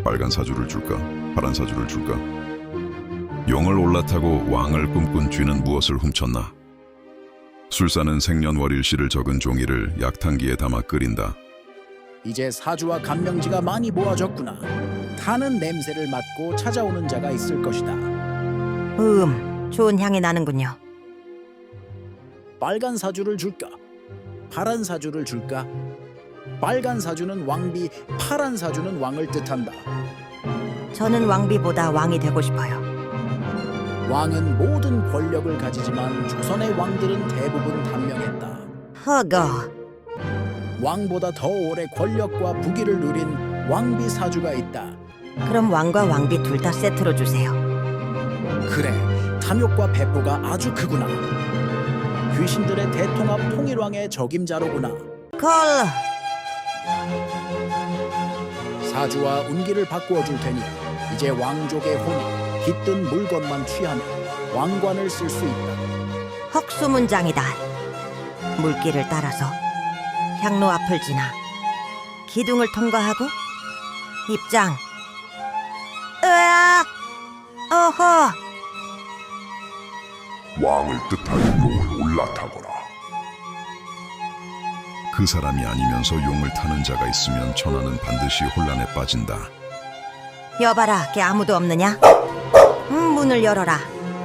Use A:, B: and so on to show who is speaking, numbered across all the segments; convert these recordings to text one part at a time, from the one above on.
A: 빨간 사주를 줄까? 파란 사주를 줄까? 용을 올라타고 왕을 꿈꾼 쥐는 무엇을 훔쳤나? 술사는 생년월일시를 적은 종이를 약탕기에 담아 끓인다.
B: 이제 사주와 간명지가 많이 모아졌구나. 타는 냄새를 맡고 찾아오는 자가 있을 것이다.
C: 좋은 향이 나는군요.
B: 빨간 사주를 줄까? 파란 사주를 줄까? 빨간 사주는 왕비, 파란 사주는 왕을 뜻한다.
C: 저는 왕비보다 왕이 되고 싶어요.
B: 왕은 모든 권력을 가지지만 조선의 왕들은 대부분 단명했다.
C: 허거.
B: 왕보다 더 오래 권력과 부귀를 누린 왕비 사주가 있다.
C: 그럼 왕과 왕비 둘 다 세트로 주세요.
B: 그래, 탐욕과 배포가 아주 크구나. 귀신들의 대통합 통일왕의 적임자로구나.
C: 콜.
B: 사주와 운기를 바꾸어 줄 테니 이제 왕족의 혼이 깃든 물건만 취하면 왕관을 쓸 수 있다.
C: 헉수문장이다. 물길을 따라서 향로 앞을 지나 기둥을 통과하고 입장. 으아! 어허!
D: 왕을 뜻하는 용을 올라타거라.
A: 그 사람이 아니면서 용을 타는 자가 있으면 천하는 반드시 혼란에 빠진다.
C: 여봐라, 걔 아무도 없느냐? 문을 열어라.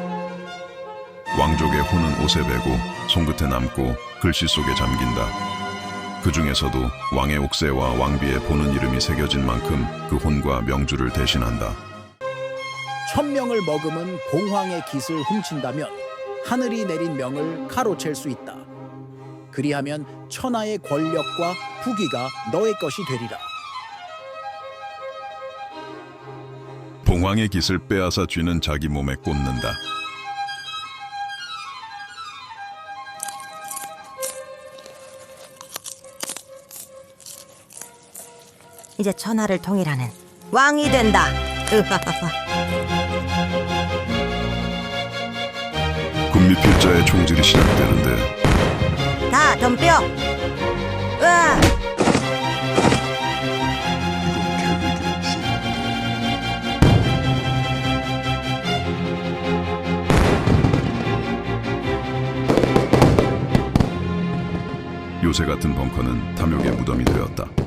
A: 왕족의 혼은 옷에 배고 손끝에 남고 글씨 속에 잠긴다. 그 중에서도 왕의 옥새와 왕비의 보는 이름이 새겨진 만큼 그 혼과 명주를 대신한다.
B: 천명을 머금은 봉황의 깃을 훔친다면 하늘이 내린 명을 가로챌 수 있다. 그리하면 천하의 권력과 부귀가 너의 것이 되리라.
A: 봉황의 깃을 빼앗아 쥐는 자기 몸에 꽂는다.
C: 이제 천하를 통일하는 왕이 된다. 으하하하.
A: 군미필자의 총질이 시작되는데
C: 다 덤벼. 으아!
D: 이건 계획이 없어.
A: 요새 같은 벙커는 탐욕의 무덤이 되었다.